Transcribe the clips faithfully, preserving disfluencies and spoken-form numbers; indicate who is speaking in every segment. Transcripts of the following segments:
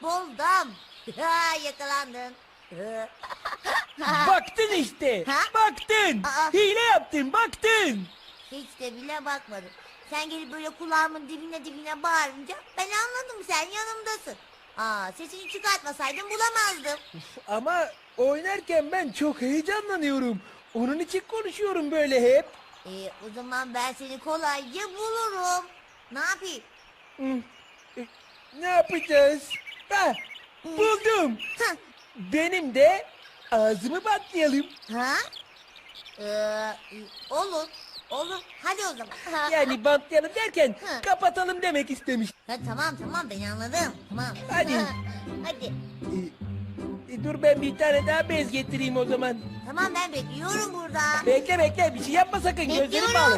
Speaker 1: Buldum. Ha, yakalandın.
Speaker 2: Baktın işte.
Speaker 1: Ha?
Speaker 2: Baktın.
Speaker 1: Aa.
Speaker 2: Hile yaptın, baktın.
Speaker 1: Hiç de bile bakmadım. Sen gelip böyle kulağımın dibine dibine bağırınca ben anladım sen yanımdasın. Aa, sesini çıkartmasaydın bulamazdım.
Speaker 2: Ama oynarken ben çok heyecanlanıyorum. Onun için konuşuyorum böyle hep.
Speaker 1: Ee, o zaman ben seni kolayca bulurum. Ne yapayım?
Speaker 2: Hı. E, Ne yapacağız? Ha, buldum.
Speaker 1: Hah.
Speaker 2: Benim de ağzımı bantlayalım.
Speaker 1: Ha? Ee, olur. Olur. Hadi o zaman. Ha.
Speaker 2: Yani bantlayalım derken
Speaker 1: Ha.
Speaker 2: kapatalım demek istemiş.
Speaker 1: Ha, tamam tamam ben anladım. Tamam.
Speaker 2: Hadi.
Speaker 1: Ha, hadi.
Speaker 2: E, e, dur ben bir tane daha bez getireyim o zaman.
Speaker 1: Tamam ben bekliyorum burada.
Speaker 2: Bekle bekle bir şey yapma sakın gözlerim
Speaker 1: Bekliyorum.
Speaker 2: bağlı.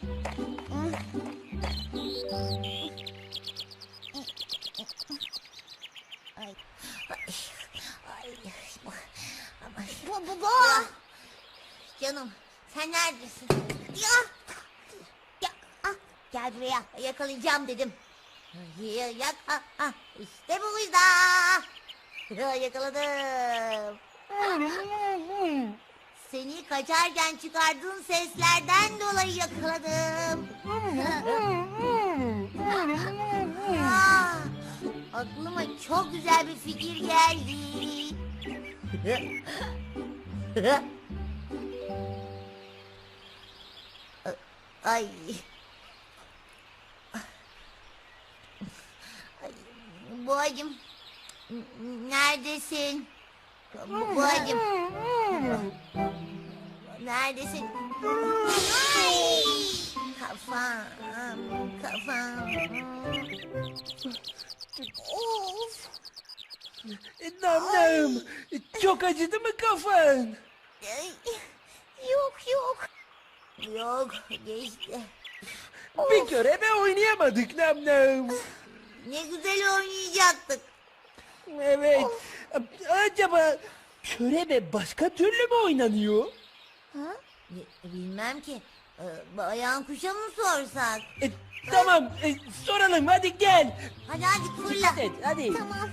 Speaker 1: Ay. Ay. Ay. Bu, bu, bu. Canım sen neredesin? Ya. Ya. Ah, gel buraya yakalayacağım dedim. Ya, yak, ah, ah, işte burada. Ya, yakaladım. Seni kaçarken çıkardığın seslerden dolayı yakaladım. Ah, aklıma çok güzel bir fikir geldi. Ay. Ay, Boğacım. Neredesin? Bu- Boğacım. Neredesin? Ay! Kafam, kafam. Of.
Speaker 2: E, nam nam. E, Çok acıdı mı kafan?
Speaker 1: Ay, yok yok. Yok geçti.
Speaker 2: Bir kere be oynayamadık nam nam.
Speaker 1: Ne güzel oynayacaktık.
Speaker 2: Evet. Acaba körebe başka türlü mü oynanıyor?
Speaker 1: Ha? Bi- Bilmem ki. Ee, Bayan kuşa mı sorsak?
Speaker 2: E, tamam e, soralım hadi gel.
Speaker 1: Hadi hadi fırla.
Speaker 2: Evet, hadi.
Speaker 1: Tamam.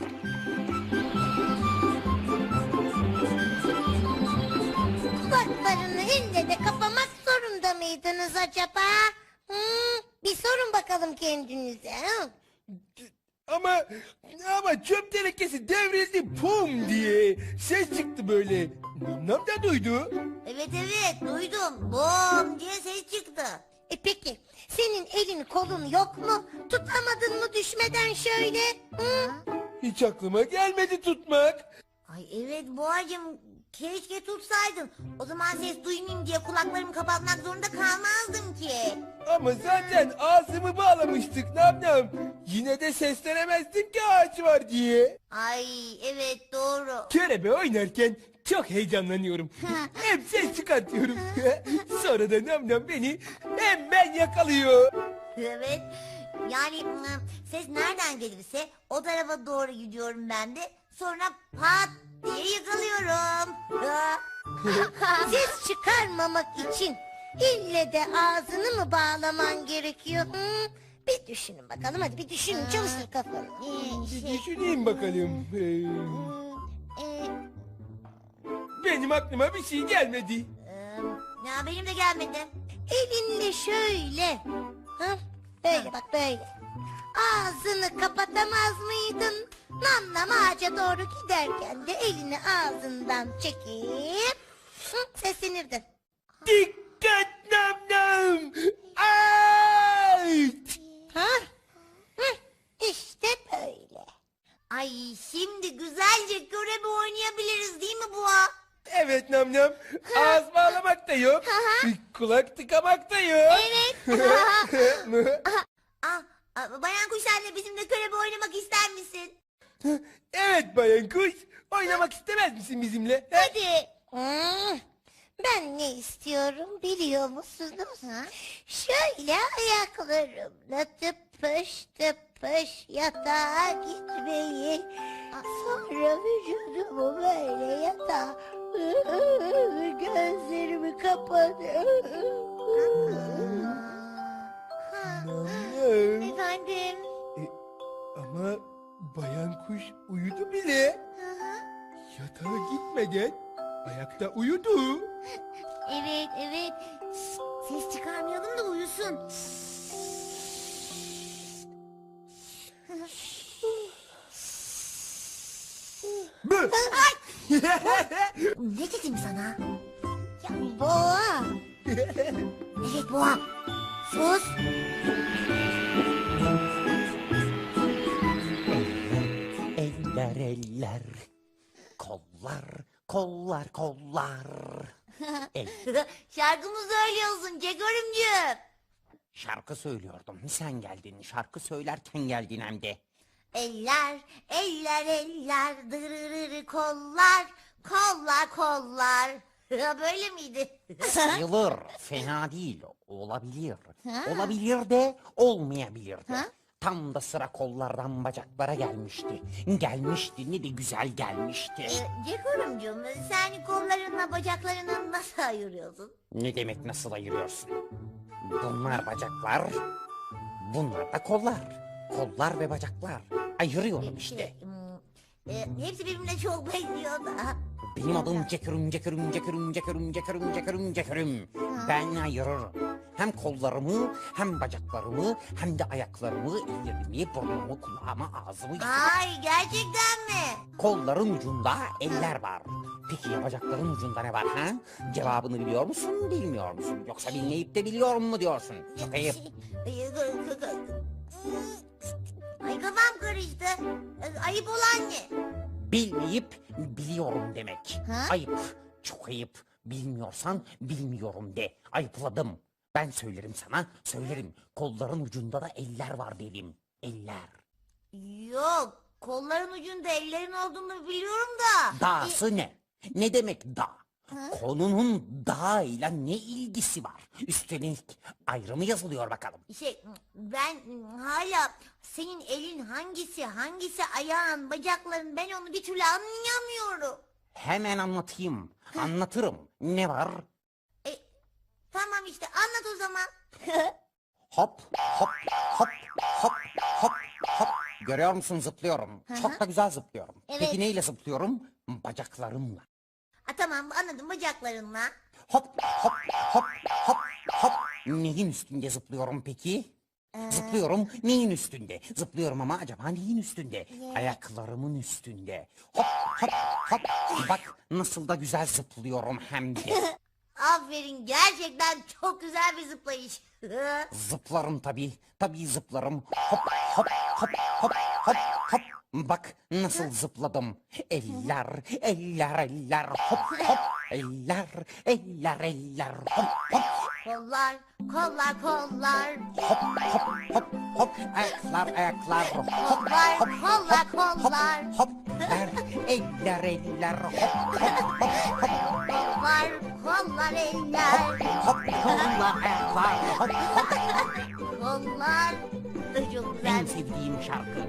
Speaker 3: Kulaklarını ille de kapamak zorunda mıydınız acaba? Hmm, bir sorun bakalım kendinize. hı?
Speaker 2: Ama ama çöp tenekesi devrildi pum diye ses çıktı böyle. Nam nam da duydu.
Speaker 1: Evet evet duydum. Bom diye ses çıktı.
Speaker 3: E peki senin elin kolun yok mu? Tutamadın mı düşmeden şöyle? Hı?
Speaker 2: Hiç aklıma gelmedi tutmak.
Speaker 1: Ay evet Boğacığım keşke tutsaydın. O zaman ses duymayayım diye kulaklarımı kapatmak zorunda kalmazdım ki.
Speaker 2: Ama zaten ağzımı bağlamıştık nam nam. Yine de seslenemezdim ki ağaç var diye.
Speaker 1: Ay evet doğru.
Speaker 2: Körebe oynarken çok heyecanlanıyorum. Hem ses çıkartıyorum. Sonra da nam nam beni hemen yakalıyor.
Speaker 1: Evet. Yani ım, ses nereden gelirse o tarafa doğru gidiyorum ben de. Sonra pat diye yakalıyorum.
Speaker 3: Ses çıkarmamak için ille de ağzını mı bağlaman gerekiyor? Hı? Bir düşünün bakalım hadi bir düşünün çalıştır kafanı.
Speaker 1: Ee,
Speaker 2: Bir
Speaker 1: şey,
Speaker 2: düşüneyim bakalım. Ee,
Speaker 1: ım, e,
Speaker 2: benim aklıma bir şey gelmedi.
Speaker 1: ım, ya benim de gelmedi.
Speaker 3: Elinle şöyle. Hı? Böyle bak böyle. Ağzını kapatamaz mıydın? Nam nam ağaca doğru giderken de elini ağzından çekip hı, seslenirdin.
Speaker 2: Dikkat nam nam. Ay!
Speaker 3: Ha? Hı, işte böyle.
Speaker 1: Ay şimdi güzelce körebe oynayabiliriz değil mi Boğa?
Speaker 2: Evet nam nam. Ağız bağlamak da yok. Kulak tıkamak da yok.
Speaker 1: Evet. Ah, ah, Bayan Kuş anne bizimle körebe oynamak ister misin?
Speaker 2: Evet bayan kuş. Oynamak istemez misin bizimle? He?
Speaker 1: Hadi.
Speaker 3: Hmm, ben ne istiyorum biliyor musunuz? Şöyle ayaklarımla tıpış tıpış yatağa gitmeyi. Sonra vücudumu böyle yatağa gözlerimi kapatıp.
Speaker 1: Ha,
Speaker 2: Nam nam.
Speaker 1: efendim.
Speaker 2: E, ama bayan kuş uyudu bile. Yatağa gitmeden ayakta uyudu.
Speaker 1: Evet evet. Şşt, ses çıkarmayalım da uyusun.
Speaker 2: Bı!
Speaker 1: Ne dedim sana?
Speaker 3: Ya boğa.
Speaker 1: Evet boğa. Sus.
Speaker 4: Eller eller, kollar, kollar, kollar. El,
Speaker 1: Şarkı mı söylüyorsun Cegörümcüğüm?
Speaker 4: şarkı söylüyordum. Sen geldin, şarkı söylerken geldin hem de.
Speaker 1: Eller, eller, eller, dırırırı kollar, kollar, kollar. Böyle miydi?
Speaker 4: Sayılır, fena değil, olabilir. Olabilir de olmayabilir de.
Speaker 1: Ha?
Speaker 4: Tam da sıra kollardan bacaklara gelmişti. Gelmişti, ne de güzel gelmişti.
Speaker 1: Ee, Cegörümcüğüm sen kollarınla bacaklarını nasıl ayırıyorsun?
Speaker 4: Ne demek nasıl ayırıyorsun? Bunlar bacaklar, bunlar da kollar. Kollar ve bacaklar. Ayırıyorum işte.
Speaker 1: Şey, hmm, e, hepsi birbirine çok benziyor da.
Speaker 4: Benim adım Cekürüm, Cekürüm, Cekürüm, Cekürüm, Cekürüm, Cekürüm, Cekürüm. Ben ayırırım. Hem kollarımı, hem bacaklarımı, hem de ayaklarımı, ellerimi, burnumu, kulağımı, ağzımı...
Speaker 1: Ay gerçekten mi?
Speaker 4: Kolların ucunda eller var. Peki ya bacakların ucunda ne var ha? Cevabını biliyor musun, bilmiyor musun? Yoksa bilmeyip de biliyorum mu diyorsun? Çok ayıp.
Speaker 1: Ay, kı- kı- kı- Ay kafam karıştı. Ee, Ayıp olan ne?
Speaker 4: Bilmeyip biliyorum demek.
Speaker 1: Ha?
Speaker 4: Ayıp, çok ayıp. Bilmiyorsan bilmiyorum de. Ayıpladım. Ben söylerim sana, söylerim. Kolların ucunda da eller var dedim. Eller.
Speaker 1: Yok. Kolların ucunda ellerin olduğunu biliyorum da.
Speaker 4: Dağısı ne? Ne demek dağ? Konunun dağ ile ne ilgisi var? Üstelik ayrı mı yazılıyor bakalım?
Speaker 1: Şey ben hala senin elin hangisi hangisi ayağın bacakların ben onu bir türlü anlayamıyorum.
Speaker 4: Hemen anlatayım. Anlatırım. Ne var?
Speaker 1: E, tamam işte anlat o zaman.
Speaker 4: Hop, hop, hop, hop, hop, hop. Görüyor musun zıplıyorum. Çok da güzel zıplıyorum.
Speaker 1: Evet.
Speaker 4: Peki neyle zıplıyorum? Bacaklarımla.
Speaker 1: Ha, tamam anladım bacaklarınla.
Speaker 4: Hop, hop, hop, hop, hop. Neyin üstünde zıplıyorum peki? Zıplıyorum neyin üstünde? Zıplıyorum ama acaba neyin üstünde? Ayaklarımın üstünde. Hop, hop, hop. Bak nasıl da güzel zıplıyorum hem de.
Speaker 1: Aferin gerçekten çok güzel bir zıplayış.
Speaker 4: Zıplarım tabii. Tabii zıplarım. Hop hop hop hop hop hop. Bak nasıl zıpladım. Eller, eller, eller. Hop hop. Eller, eller, eller. Hop hop.
Speaker 1: Kollar, kollar, kollar.
Speaker 4: Hop hop hop hop. Ayaklar, ayaklar. Hop
Speaker 1: Kollar,
Speaker 4: hop
Speaker 1: kollar,
Speaker 4: hop
Speaker 1: kollar.
Speaker 4: hop. Eller, eller, eller. Hop hop hop hop.
Speaker 1: Kollar, kollar, eller.
Speaker 4: Hop kollar, ayaklar. Hop hop.
Speaker 1: Kollar. Çok güzel.
Speaker 4: En sevdiğim şarkı.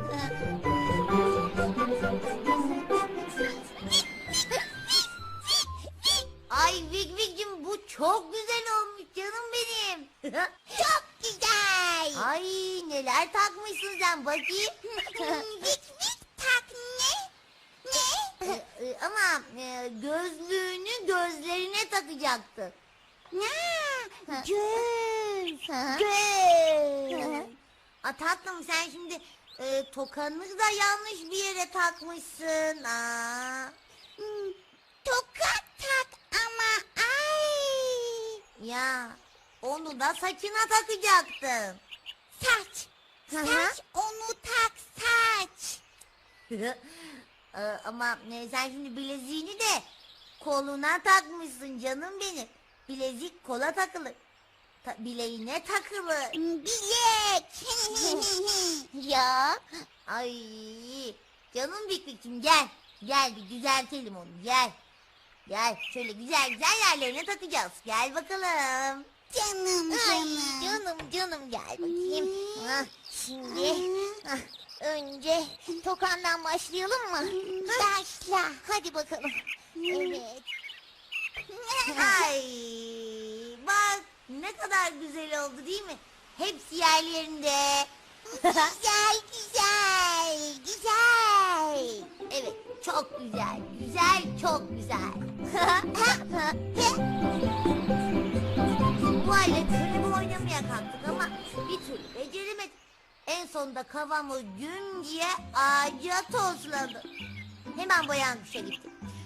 Speaker 1: Ay Vik Vik'cim bu çok güzel olmuş canım benim.
Speaker 3: Çok güzel.
Speaker 1: Ay neler takmışsın sen bakayım.
Speaker 3: Vik vik tak ne? Ne?
Speaker 1: E, e, Ama e, gözlüğünü gözlerine takacaktı.
Speaker 3: Ha, göz.
Speaker 1: Hı.
Speaker 3: Göz.
Speaker 1: A tatlım sen şimdi e, tokanı da yanlış bir yere takmışsın. Aa.
Speaker 3: Hmm, tokat tak ama ay.
Speaker 1: Ya onu da saçına takacaktın.
Speaker 3: Saç.
Speaker 1: Hı hı.
Speaker 3: Saç onu tak saç.
Speaker 1: E, Ama e, sen şimdi bileziğini de koluna takmışsın canım benim. Bilezik kola takılır. Ta- bileğine takılır.
Speaker 3: Bilek. ya.
Speaker 1: Ay canım Bikbik'cim gel. Gel bir düzeltelim onu gel. Gel şöyle güzel güzel yerlerine takacağız. Gel bakalım.
Speaker 3: Canım
Speaker 1: Ay
Speaker 3: canım.
Speaker 1: canım canım gel bakayım. Ah, şimdi ah, önce tokandan başlayalım mı?
Speaker 3: Başla.
Speaker 1: Hadi bakalım.
Speaker 3: Evet.
Speaker 1: Ay bak ne kadar güzel oldu değil mi? Hepsi yerlerinde. Güzel, güzel, güzel. Evet, çok güzel, güzel, çok güzel. Bu aletleri oynamaya kalktık ama bir türlü beceremedik. En sonunda kafamız gün diye ağaca tosladı. Hemen Boyan Kuş'a gittim.